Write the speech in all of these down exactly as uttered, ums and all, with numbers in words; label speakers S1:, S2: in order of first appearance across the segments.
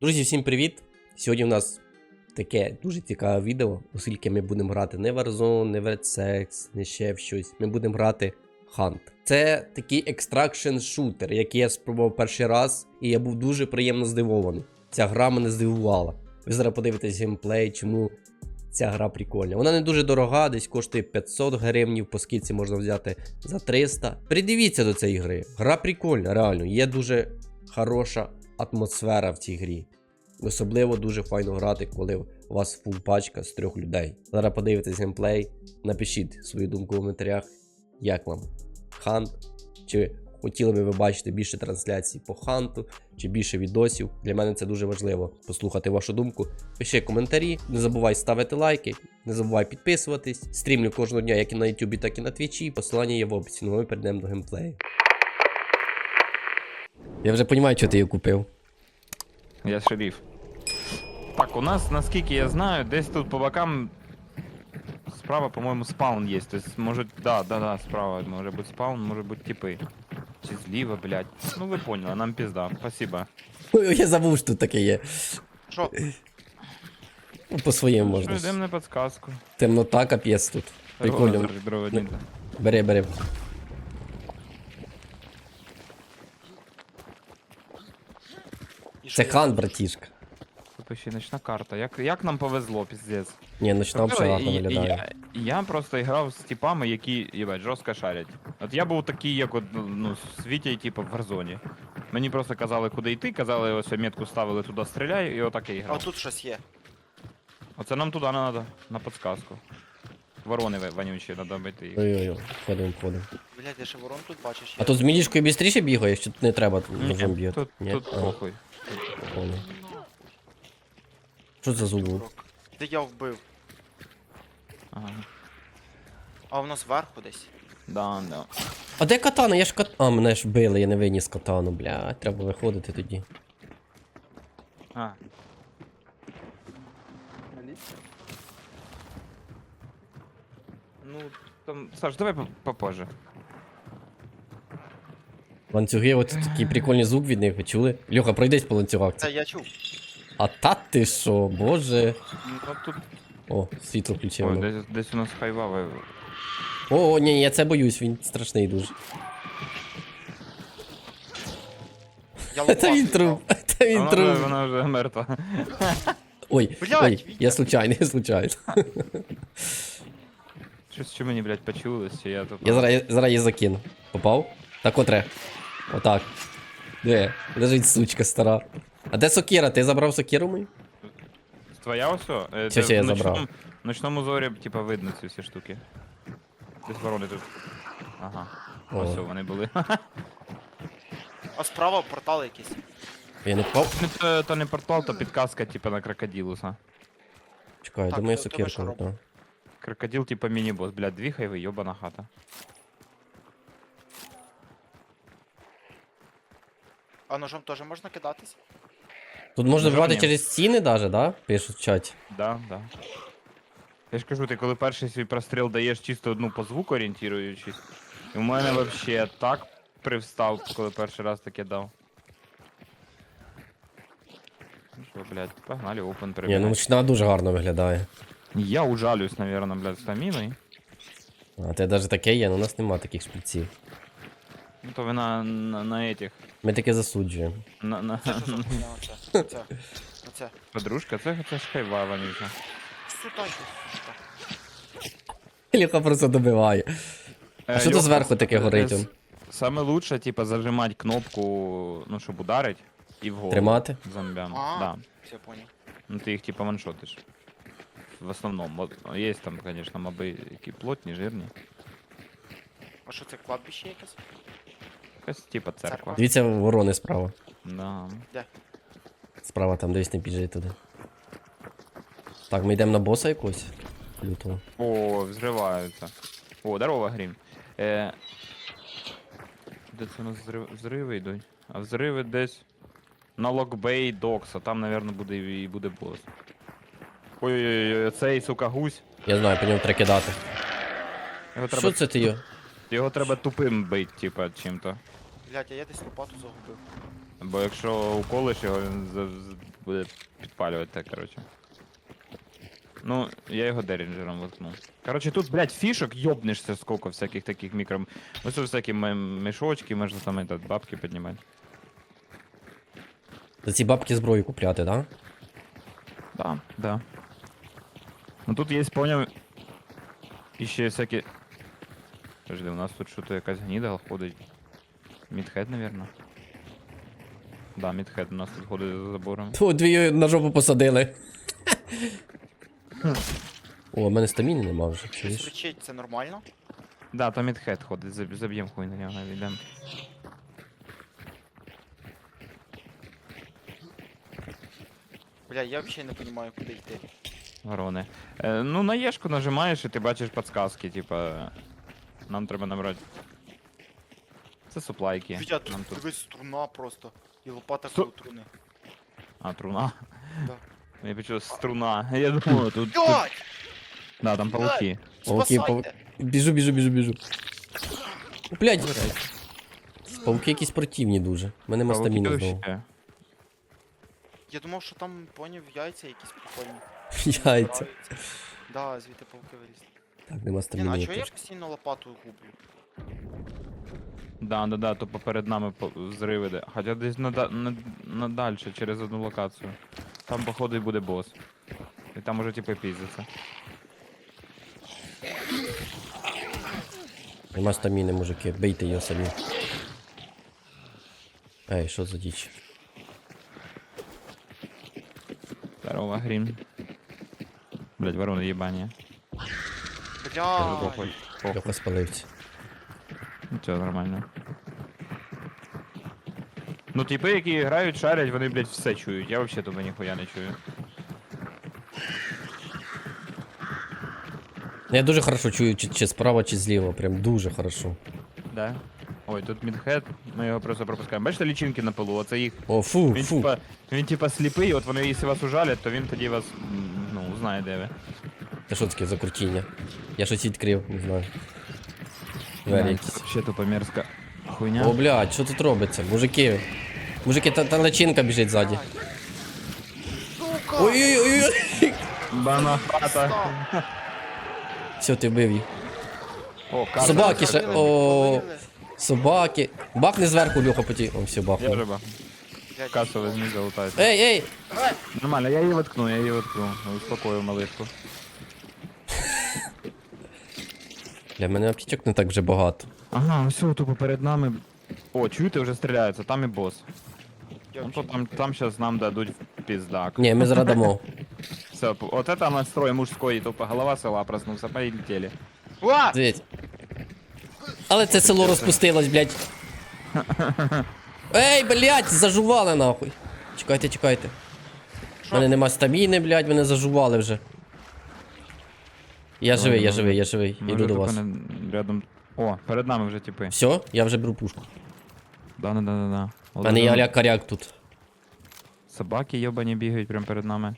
S1: Друзі, всім привіт! Сьогодні у нас таке дуже цікаве відео, оскільки ми будемо грати не Warzone, не Red Sex, не ще в щось. Ми будемо грати Hunt. Це такий екстракшн шутер, який я спробував перший раз, і я був дуже приємно здивований. Ця гра мене здивувала. Ви зараз подивитесь геймплей, чому ця гра прикольна. Вона не дуже дорога, десь коштує п'ятсот гривень, по скидці можна взяти за триста. Придивіться до цієї гри. Гра прикольна, реально. Є дуже хороша атмосфера в цій грі. Особливо дуже файно грати, коли у вас фул пачка з трьох людей. Зараз подивитесь геймплей, напишіть свою думку в коментарях, як вам Hunt, чи хотіли би ви бачити більше трансляцій по Ханту, чи більше відосів. Для мене це дуже важливо послухати вашу думку. Пиши коментарі, не забувай ставити лайки, не забувай підписуватись. Стрімлю кожного дня як і на ютубі, так і на твічі. Посилання є в описі, ну ми перейдемо до геймплею. Я вже розумію, що ти її купив.
S2: Я шериф. Так, у нас, наскільки я знаю, десь тут по бокам справа, по-моєму, спаун є. То есть, може, да, да, да, справа може бути спаун, може бути типи. Чи зліва, блядь. Ну ви поняли, нам пізда. Спасибо.
S1: Ой, я забув, що тут таке є.
S3: Що?
S1: Ну, по-своєму можна.
S2: Йдемо на підсказку.
S1: Темнота, капець тут. Прикольно.
S2: Прикольно.
S1: Бери, бери. Це Хан, братішка.
S2: Тут ще ночна карта. Як, як нам повезло, піздець.
S1: Ні, ночна
S2: Тобто,
S1: взагалі гарно
S2: я,
S1: виглядає.
S2: я, я просто грав з типами, які, їбать, жорстко шарять. От я був такий, як от, ну, з Вітєю, типу, в Warzone. Мені просто казали, куди йти, казали, ось метку ставили, туди стріляй, і отак я і
S3: А
S2: грав.
S3: тут щось є.
S2: Оце нам туди не треба, на підсказку. Ворони ви- вонючі, треба бити їх.
S1: Ой-ой-ой, ходимо, ходимо.
S3: Блядь, я ще ворон тут бачиш.
S1: А тут з мілішкою швидше бігає, що тут не треба ножом
S2: Ні,
S1: б'є?
S2: тут,
S1: Ні?
S2: тут
S1: Ага,
S2: похуй.
S1: понял. Що це за звук?
S3: Де я вбив.
S2: Ага.
S3: А воно зверху десь.
S2: Да, да.
S1: А де катана? Я ж кат... А, мене ж били, я не виніс катану, бля, треба виходити тоді.
S2: А. Ну, там, Саш, давай по- попозже.
S1: Ланцюги, от такий прикольний звук від них, ви чули? Льоха, пройдись по ланцюгах.
S3: Це я чув.
S1: А та ти що, боже.
S2: Ну тут.
S1: О, світло
S2: Ой,
S1: включили.
S2: десь, десь у нас хайвава.
S1: О, ні, я це боюсь, він страшний дуже.
S3: Я
S1: Це він
S3: лопату
S1: труп, це він
S2: Вона вже,
S1: труп.
S2: вона вже мертва.
S1: Ой,
S3: Блядь,
S1: ой,
S3: Вітя.
S1: я случайно, я случайно.
S2: Щось що мені, блядь, почулось, чи я тут.
S1: Я зараз, я зараз її закину. Попав? Так отре. Отак. Де? Лежить сучка стара. А де сокира? Ти забрав сокиру мою?
S2: Твоя ось? о? Е,
S1: Чи
S2: це
S1: ще я
S2: в ночному-
S1: забрав?
S2: В ночному зорі, типа, видно ці всі штуки. Десь ворони тут. Ага.
S1: О.
S2: Ось о, вони були.
S3: А справа портал якийсь.
S1: Я не попав?
S2: Ну, то, то не портал, то підказка, типа, на крокодилуса.
S1: Чекай,
S3: Так,
S1: думаю,
S3: то- то ми
S1: сокирка.
S3: що
S1: да.
S3: робимо?
S2: Крокодил, типа, міні-бос. Блядь, дві хайви, йобана хата.
S3: А ножом теж можна кидатись?
S1: Тут можна
S2: Ножом
S1: вбивати
S2: ні.
S1: через стіни даже, да? Пишуть в чаті.
S2: Да, да. Я ж кажу, ти коли перший свій простріл даєш чисто одну по звуку орієнтуючись. І в мене вообще так привстав, коли перший раз таке дав. Ну що, блядь, погнали, опен
S1: Ні, ну
S2: перебігати.
S1: ночна дуже гарно виглядає.
S2: Я ужалюсь, наверное, блядь, стаміною.
S1: А те навіть таке є, але у нас нема таких шпильців.
S2: Ну то ви на, на, на этих.
S1: Ми таке засуджуємо.
S2: На, на...
S3: Це що за хуйня оце? Оце. Оце.
S2: Подружка, це, це ж хайва вонюча.
S3: Сюди йди.
S1: Ліха просто добиває. А що тут зверху таке горить? он?
S2: Саме лучше, типа, зажимати кнопку, ну, щоб ударить, і вгору.
S1: Тримати?
S2: Зомбям.
S3: А.
S2: Да.
S3: Все, понял.
S2: Ну ти їх типа ваншотиш. В основному. От, є там, звісно, моби, які плотні, жирні.
S3: А що це, кладбище якесь?
S2: Якась типа церква.
S3: Церква.
S1: Дивіться, ворони справа.
S2: Да.
S1: Справа там десь не біжить туди. Так, ми йдемо на боса якогось. Лютого.
S2: О, взриваються. О, здорово, Грім. Е... Де це у нас взрив... взриви йдуть? А взриви десь на Локбей Докса. Там, мабуть, буде і буде бос. Ой-ой-ой, цей, сука, гусь.
S1: Я знаю, по ньому треба кидати.
S2: Його
S1: Що
S2: треба,
S1: це ти його?
S2: його треба тупим бить, типа, чим-то.
S3: Блядь, а я десь лопату загубив.
S2: Бо якщо уколиш його, він за- з- буде підпалювати те, коротше. Ну, я його дерінджером воткнув. Коротше, тут, блядь, фішок йобнешся сколько всяких таких мікро... Ось тут всякі м- мішочки, можна там этот, бабки піднімати.
S1: За ці бабки зброю купляти, да?
S2: Да, да. Ну тут є, поняв, і ще всякі... Подожди, у нас тут що-то якась гніда ходить. Мідхед, наверное. Да, мідхед у нас тут ходить за забором.
S1: Ту, дві на жопу посадили. О, в мене стаміни нема вже,
S3: Щось
S1: чуєш?
S3: кричить, це нормально?
S2: Да, там мідхед ходить, заб- заб'єм хуй на нього, йдем.
S3: Бля, я взагалі не розумію, куди йти.
S2: Ворони. Е, ну, на Єшку нажимаєш і ти бачиш підсказки, типа. Нам треба набрати. Це суплайки.
S3: Вітя, тут
S2: Нам тут...
S3: дивись, струна просто. І лопата
S2: Стру-
S3: коло труни.
S2: А, труна?
S3: Да.
S2: Я почув струна. Я думаю, тут. тут...
S3: Блядь!
S2: Да, там пауки.
S1: Пауки, пау...
S3: Спасайте!
S1: Біжу, біжу, біжу, біжу. Блядь, пауки якісь противні дуже. У мене нема
S2: Пауки
S1: стаміни
S2: вообще.
S1: знову.
S3: Я думав, що там, поняв, яйця якісь прикольні.
S1: Яйця.
S3: Нравиться. Да, звідти пауки вилізли.
S1: Так, нема
S3: Ні, ну, а
S1: стаміни.
S3: чого я
S1: теж.
S3: постійно лопату гублю?
S2: Да, да, да, то поперед нами по- зриви де. Хоча десь на, да- на, на дальше, через одну локацію. Там, походу, і буде бос. І там уже типу піздиться.
S1: Нема стаміни, мужики, бийте його самі. Ей, що за діч?
S2: Здорово, грім. Блять, ворони їбані.
S3: Бля,
S2: Похуй. Похуй.
S1: Льоха спалився.
S2: Нічого, нормально. Ну, типи, які грають, шарять, вони, блядь, все чують. Я вообще тебе ніхуя не чую.
S1: Ну, я дуже хорошо чую, чи, чи справа, чи зліва. Прям дуже хорошо.
S2: Да? Ой, тут мідхед, ми його просто пропускаємо. Бачите лічинки на полу, оце їх.
S1: О, фу,
S2: Він
S1: фу.
S2: типа, він типа сліпий, от вони, якщо вас ужалять, то він тоді вас, м, ну, узнає, де ви.
S1: Це що таке за крутіння? Я щось відкрив, не знаю. Двері
S2: Да,
S1: якісь.
S2: це Вообще тупо мерзка хуйня.
S1: О, блядь, що тут робиться? Мужики. Мужики, та, та личинка біжить ззаді.
S3: сука!
S1: Ой-ой-ой.
S2: Бана хата.
S3: Став.
S1: Все, ти вбив їх.
S2: О, карта.
S1: Собаки ще.
S3: Повалили,
S1: О,
S3: повалили.
S1: собаки. Бахни зверху, Льоха, поті. О, все,
S2: Я
S1: бахнув.
S2: вже ба.
S3: Блядь,
S2: Касу возьми, залутайте.
S1: Ей, ей!
S3: Е,
S2: Нормально, я її воткну, я її воткну. Успокою малишку.
S1: Для мене аптечок не так вже багато.
S2: Ага, все, тупо перед нами. О, чуєте, вже стріляються, там і бос.
S3: я
S2: Ну то
S3: взагалі
S2: там, там сейчас нам дадуть в пиздак.
S1: Ні, ми зрадамо.
S2: Все, вот это настрой мужской, тупо голова села проснулся, полетели.
S3: не- Уа!
S1: Дивіться. Але це село розпустилось, блядь. Ей, блядь, зажували нахуй. Чекайте, чекайте. У мене нема стаміни, блядь, мене зажували вже. Я
S2: Давай,
S1: живий, я
S2: давай.
S1: живий, я живий.
S2: Ми
S1: Іду
S2: вже
S1: до
S2: тупо
S1: вас.
S2: не- рядом. О, перед нами вже типи.
S1: Все, я вже беру пушку.
S2: Да, да, да, да, да.
S1: У мене є аля-каряк тут.
S2: Собаки йобані бігають прямо перед нами.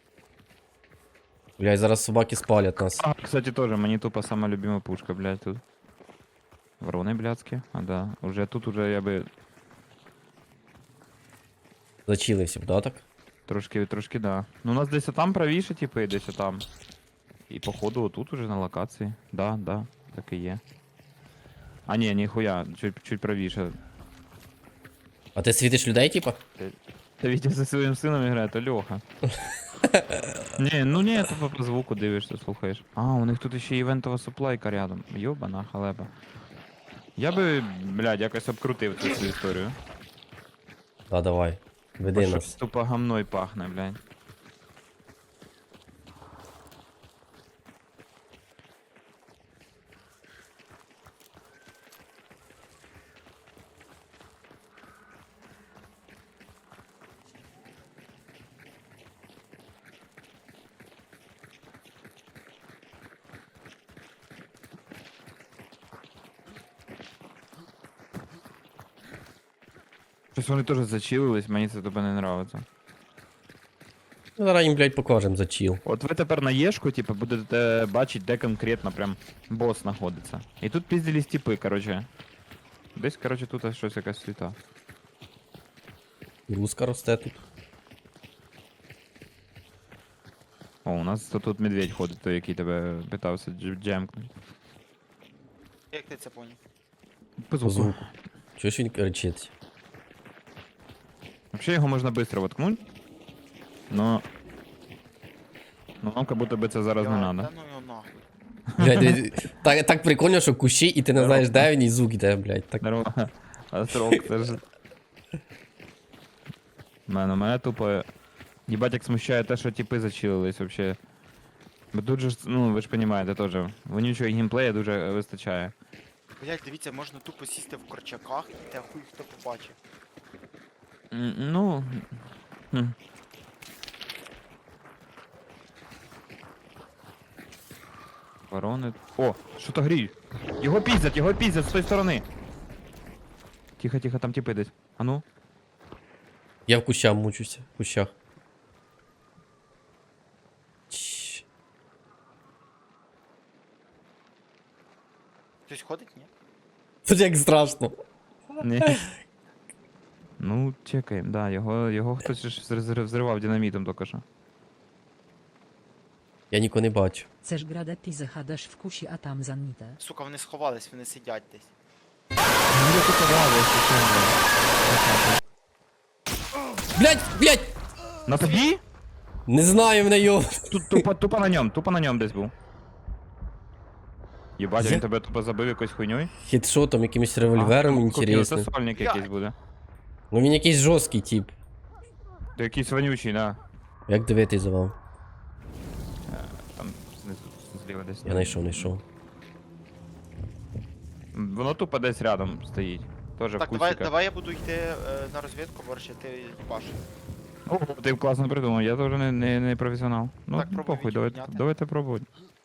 S1: Блядь, зараз собаки спалять нас.
S2: А, кстати, тоже, мені тупо сама любима пушка, блядь, тут. Ворони блядські. А, да. Уже тут уже я би
S1: Зачилився б, да, так?
S2: трошки, трошки, да. Ну, у нас десь там правіше, типи, десь там. І походу отут уже на локації. Да, да, так і є. А ні, ніхуя, чуть, чуть правіше.
S1: А ти світиш людей, типа?
S2: Та Вітя зі своїм сином грає, то Льоха. Ні, ну ні, тупо по звуку дивишся, слухаєш. А, у них тут ще івентова суплайка рядом. Йобана халепа. Я би, блядь, якось обкрутив цю всю історію.
S1: Да, давай. Веди
S2: Щось
S1: нас.
S2: тупо гамной пахне, блядь. Щось вони теж зачилились, мені це тобі не нравиться.
S1: Ну, зараз їм, блядь, покажемо за чіл.
S2: От ви тепер на Єшку, типу, будете бачити, де конкретно прям бос знаходиться. І тут піздились типи, короче. Десь, короче, тут щось якась світа.
S1: Руска росте тут.
S2: О, у нас тут, тут медведь ходить, той, який тебе питався дж- джемкнути.
S3: Як ти це поняв?
S2: По
S1: По звуку. Чого ж він кричить?
S2: Вообще його можна швидко воткнуть. Но... Ну нам как будто би це зараз не
S3: Я-
S2: надо.
S3: Та ну його нахуй.
S1: Блядь, дивись, так, так прикольно, що кущі, і ти не знаєш, де він, і звук іде, блядь. Так.
S2: Здорово. А строк, це ж... Мене, мене тупо... Єбать, як смущає те, що типи зачилились вообще. Бо тут же, ж, ну, ви ж розумієте теж, вонючого геймплея дуже вистачає.
S3: Блять, дивіться, можна тупо сісти в корчаках, і те хуй хто побачить.
S2: М, Ну... хм. Ворони... О, що то гріль? Його піздять, його піздять з тої сторони. Тихо, тихо, там типи десь. А ну?
S1: Я в кущах мучуся, в кущах. Чш.
S3: Хтось ходить, ні?
S1: Тут як страшно.
S2: Ні. Ну, чекаємо, да, його, його хтось ж взр- взривав динамітом тільки що.
S1: Я нікого не бачу.
S4: Chcesz grać, ty zachadasz w kusi, a tam zanite.
S3: Сука, вони сховались, вони сидять десь.
S1: Блядь, блядь!
S2: На тобі?
S1: Не знаю в неї.
S2: Тут тупо, тупо на ньому, тупо на ньому десь був. Єбать,
S1: Я-
S2: він тебе тупо забив якоюсь хуйньою?
S1: Хедшотом, якимось револьвером
S2: А,
S1: інтересним.
S2: Це сольник якийсь буде.
S1: Ну він якийсь жорсткий тип.
S2: То якийсь вонючий, да.
S1: Як дивитись за вам?
S2: Там знизу, зліва десь.
S1: Я знайшов, знайшов.
S2: Воно тупо десь рядом стоїть. Тоже в
S3: Так, давай,
S2: кустиках.
S3: давай я буду йти е, на розвідку, борщ, ти їбаш.
S2: О, ти класно придумав, я теж не, не, не професіонал. Ну,
S3: Так,
S2: ну
S3: пробуй
S2: похуй,
S3: відео
S2: давайте,
S3: зняти.
S2: давайте пробуй.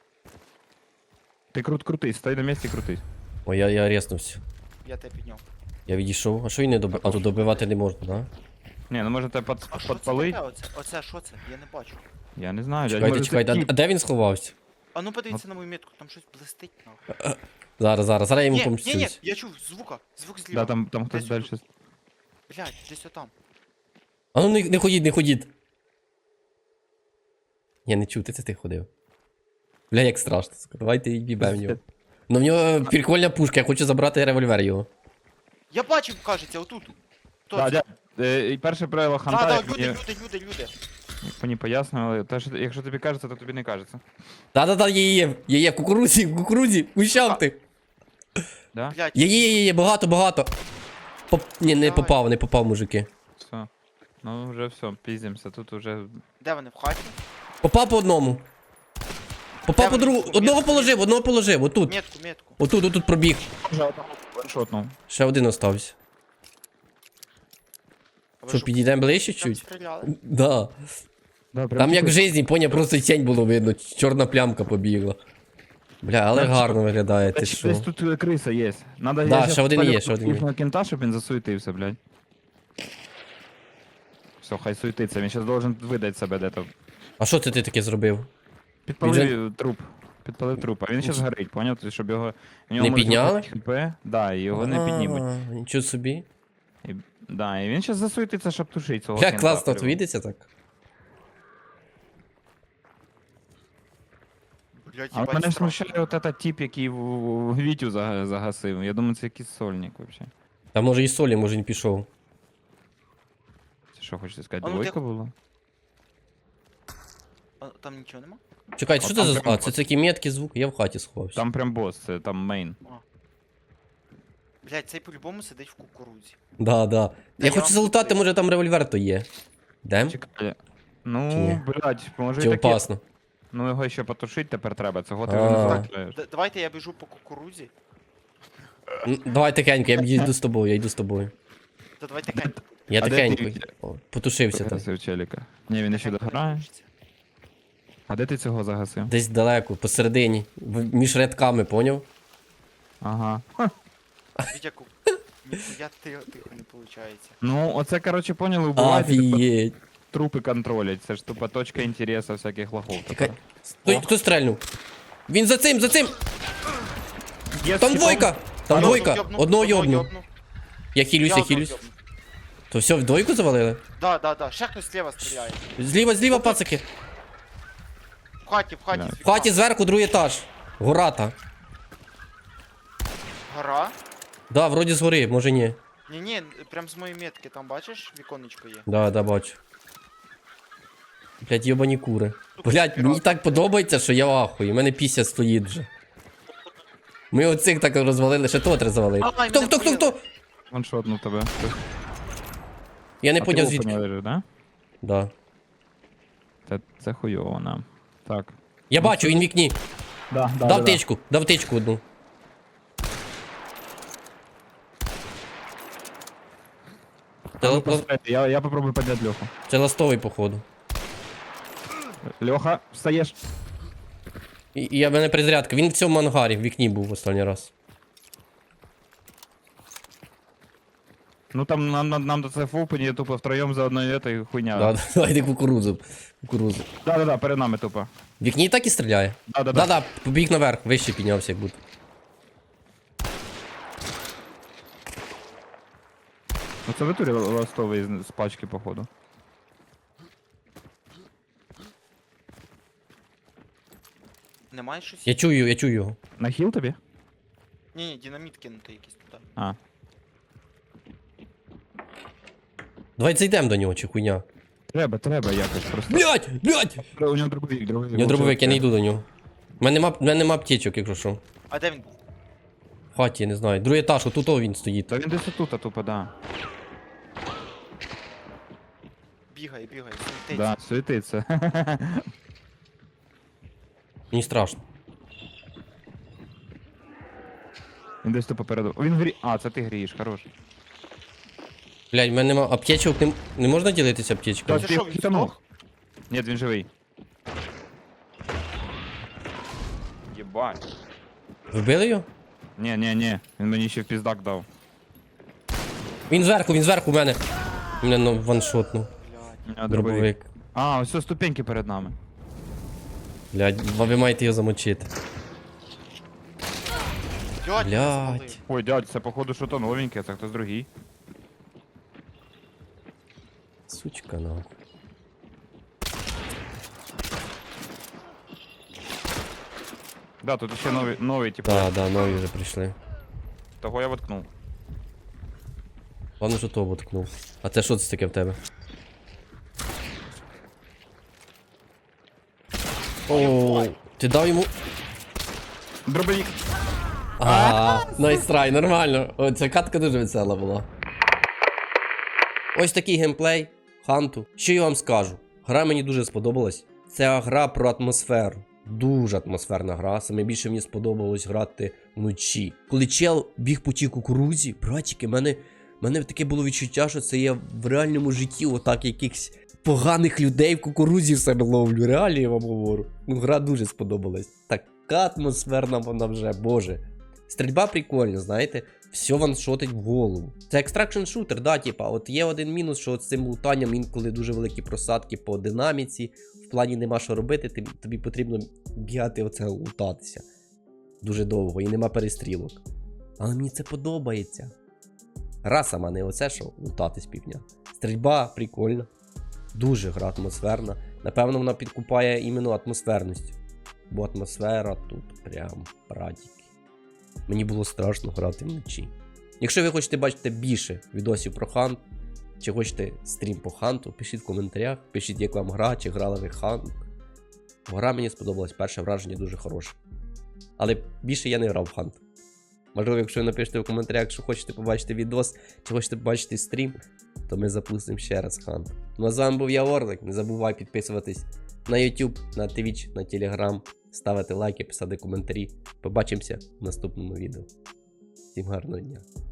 S2: Ти крут крутись, стой на місці крутись.
S1: Ой, я, я резнувся.
S3: Я тебе підняв.
S1: Я відійшов. А що він не добив? А тут добивати не можна, да?
S2: Ні, ну може тебе под,
S3: А що це
S2: подпалить?
S3: таке оце? Оце що це? Я не бачу.
S2: Я не знаю, дядь,
S1: Чекайте,
S2: може
S1: чекайте,
S2: це
S1: а,
S2: тіп.
S1: а де він сховався?
S3: А ну подивіться на мою метку, там щось блистить нахуй.
S1: Зараз, зараз, зараз я йому
S3: Ні, ні, ні,
S1: помстюсь.
S3: я чув звука, звук зліва.
S2: Да, там, там хтось
S3: Десь
S2: далі.
S3: отут. Блядь, десь отам.
S1: А ну не, не ходіть, не ходіть. Я не чути, це ти ходив. Бля, як страшно. сука. Давайте їбе в нього. Ну в нього прикольна пушка, я хочу забрати револьвер його.
S3: Я бачив, кажеться, отут. Хто
S2: Да,
S3: це?
S2: дядь, е, і перше правило
S3: Да,
S2: ханта,
S3: да,
S2: як
S3: люди,
S2: мені,
S3: люди, люди, люди.
S2: як мені пояснювали, те, що, якщо тобі кажеться, то тобі не кажеться.
S1: Та-та-та, є, є, є, є, в кукурузі, в кукурузі, в кущах ти.
S2: Да?
S3: Блядь,
S1: Є, є, є, є, багато, багато. Поп... Ні, не
S3: Давай.
S1: попав, не попав, мужики.
S2: Все. Ну вже все, піздимося, тут уже...
S3: де вони, в хаті?
S1: Попав по одному. Попав
S3: Де
S1: по
S3: вони?
S1: другому. Одного положив, одного положив, отут.
S3: Метку, метку.
S1: Отут, отут пробіг.
S2: Вже одного ваншотнув.
S1: Ще один остався.
S3: А ви
S1: Що,
S3: що,
S1: підійдемо ближче
S3: прям
S1: чуть?
S3: стріляли?
S1: Да.
S2: Да, прям
S1: Там як в
S2: типу-
S1: житті, поняв, просто тінь було видно, чорна плямка побігла. Бля, але
S2: Значить,
S1: гарно виглядає, ти
S2: Десь,
S1: що.
S2: десь тут е, криса є. Надо
S1: Да,
S2: я щас
S1: ще один
S2: спалю
S1: є, ще один є.
S2: їхнього кента, щоб він засуетився, блядь. Все, хай суетиться, він зараз должен видати себе де-то.
S1: А що це ти таке зробив?
S2: Підпалив труп. Підпалив труп, а він зараз горить, поняв? Тобто, щоб його... в нього
S1: Не
S2: може
S1: підняли?
S2: бути хп, да, і його не піднімуть.
S1: А, Нічого собі.
S2: І, да, і він зараз засуетиться, щоб тушити цього
S1: Як
S2: кента,
S1: класно
S2: прям.
S1: твідиться так.
S3: Блядь,
S2: А
S3: їбать,
S2: мене
S3: страшно.
S2: смущає от этот тип, який в, в, в Вітю зага- загасив. Я думаю, це якийсь сольник вообще.
S1: Та може і солі, може не пішов.
S2: Це що хочете сказати,
S3: А ну,
S2: двойка
S3: тихо.
S2: була?
S3: А, там нічого нема?
S1: Чекайте,
S2: А
S1: що
S2: там
S1: це за.
S2: прямо
S1: А, це такі меткі звуки, я в хаті сховався.
S2: Там прям бос, це там мейн.
S3: Блядь, цей по-любому сидить в кукурудзі.
S1: Да, да.
S3: Та
S1: Я
S3: я
S1: хочу
S3: вам
S1: залутати,
S3: куплю.
S1: може там револьвер то є. Дем?
S2: Чекай.
S1: Чи
S2: Ну,
S1: ні?
S2: блядь, може
S1: Чи
S2: і таке.
S1: опасно?
S2: Ну його ще потушити тепер треба, цього ти
S1: А.
S2: вже не
S1: Так.
S2: зробиш.
S3: Д- давайте я біжу по кукурудзі.
S1: М, Давай тихенько, я йду з тобою, я йду з тобою.
S3: Та давайте кент.
S1: Я
S2: А де
S1: тихенько.
S2: ти?
S1: О, потушився там.
S2: Загасив челіка. Ні, він ще дограє. А де ти цього загасив?
S1: Десь далеко, посередині. в- Між рядками, поняв?
S2: Ага.
S3: Вітяку. Я тихо, тихо не виходить.
S2: Ну, оце, коротше, поняли, вбивати, типу,
S1: Афієть.
S2: трупи контролять. Це ж тупо точка інтересу всяких лохов.
S1: Чекай.
S2: тепер.
S1: Стой,
S2: О.
S1: хто стрельнув? Він за цим, за цим!
S2: Є
S1: Там
S2: всі
S1: двойка! Там
S3: Одного
S1: двойка!
S3: йобну,
S1: Одного йобну.
S3: йобну.
S1: Я хилюсь, я
S3: одного
S1: хилюсь.
S3: йобну.
S1: То все, в двойку завалили?
S3: Да, да, да. Ще хтось зліва стріляє.
S1: Зліва, зліва, пацики.
S3: хаті, в хаті.
S2: Бля.
S3: з
S1: В
S3: вікна.
S1: хаті зверху другий етаж. Гората.
S3: Гора?
S1: Да, вроді згори, може ні.
S3: Ні-ні, прям з моєї метки, там бачиш, віконечко є.
S1: Да, да, бачу. Блять, йобані кури. Блять, мені так подобається, що я в ахуї. У мене пісня стоїть вже. Ми оцих так розвалили, ще того треба завалити.
S3: Ай,
S1: Хто,
S3: мене
S1: хто, хто,
S3: вбили.
S1: хто?
S2: Ваншотнув тебе.
S1: Я не
S2: А
S1: поняв
S2: ти
S1: звідки.
S2: опені лежиш, да?
S1: Да.
S2: Це, це хуйово нам. Так.
S1: Я бачу, він в вікні.
S2: Да, да,
S1: Дав тичку, дав тичку одну. Це,
S2: Ну,
S1: ла-
S2: постріляй, я, я попробую підняти Льоху.
S1: це ластовий, походу.
S2: Льоха, встаєш.
S1: І, і я в мене перезарядка. Він в цьому ангарі, в вікні був останній раз.
S2: Ну там нам, нам, нам до це в опені тупо втроєм за одною етою хуйня.
S1: Да, давайте кукурудзу. Кукурудзу.
S2: да, да, да, перед нами тупо.
S1: В вікні так і стріляє?
S2: Да, да, да.
S1: Да-да, побіг наверх, вище піднявся як будто.
S2: Ну це в натурі ластовий з, з пачки, походу.
S3: Немає щось?
S1: Я чую, я чую його.
S2: На хіл тобі?
S3: Ні-ні, динаміт кинути якийсь туди.
S2: А.
S1: Давай зайдемо до нього, чи хуйня.
S2: Треба, треба якось просто.
S1: Блять, блять!
S2: У нього дробовик, дробовик.
S1: У нього дробовик, я не йду до нього. У мене нема, в мене нема аптечок, якщо що.
S3: А де він був?
S1: В хаті, я не знаю. Другий етаж, отут о він стоїть.
S2: Та він десь отут, а тупо, да.
S3: Бігає, бігає, світить.
S2: Да, світиться.
S1: Мені страшно.
S2: Він десь тупо переду. Він грі. А, це ти грієш, хорош.
S1: Блять, в мене нема аптечок, не, не можна ділитися аптечками?
S3: Це
S2: Ти
S3: що, він
S2: хитанув?
S3: здох?
S2: Ні, він живий. Єбать.
S1: Вбили його?
S2: Ні, ні, ні. Він мені ще в піздак дав.
S1: Він зверху, він зверху в мене. Мене ну, ваншотнув.
S3: Блядь.
S2: А,
S1: Дробовик.
S2: А, ось ось ступеньки перед нами.
S1: Блять, ви маєте його замочити.
S3: Блядь,
S1: Блядь.
S3: мене спалив.
S2: Ой, дядь, це походу що то новеньке, це хтось другий.
S1: Сучка, нахуй.
S2: Да, тут ще новий, новий, типу,
S1: Да, да, нові вже прийшли.
S2: того я воткнув.
S1: Ладно, що того воткнув. А це що це таке в тебе? О, ти дав йому.
S2: Дробовик.
S1: Ага, найстрай, нормально. О, ця катка дуже весела була. Ось такий геймплей Ханту. Що я вам скажу? Гра мені дуже сподобалась. Це гра про атмосферу. Дуже атмосферна гра. Саме більше мені сподобалось грати вночі. Коли чел біг по тій кукурудзі, братики, мене, мене таке було відчуття, що це я в реальному житті отак якихось поганих людей в кукурудзі в себе ловлю. Реально я вам говорю. Ну, гра дуже сподобалась. Така атмосферна вона вже, боже. Стрільба прикольна, знаєте, все ваншотить в голову. Це екстракшн шутер, да, типа, от є один мінус, що от з цим лутанням інколи дуже великі просадки по динаміці, в плані нема що робити, ти, тобі потрібно бігати оце лутатися дуже довго і нема перестрілок. Але мені це подобається. Гра сама не оце, що лутатись півдня. Стрільба прикольна, дуже гра атмосферна. Напевно, вона підкупає іменно атмосферністю. Бо атмосфера тут прям прадіки. Мені було страшно грати вночі. Якщо ви хочете бачити більше відосів про Хант, чи хочете стрім по Ханту, пишіть в коментарях, пишіть, як вам гра, чи грали ви Хант. Гра мені сподобалась, перше враження дуже хороше. Але більше я не грав в Хант. Можливо, якщо ви напишете в коментарях, що хочете побачити відос, чи хочете побачити стрім, то ми запустимо ще раз Хант. Ну а з вами був я, Орлик. Не забувай підписуватись на YouTube, на Twitch, на Telegram, ставити лайки, писати коментарі. Побачимося в наступному відео. Всім гарного дня.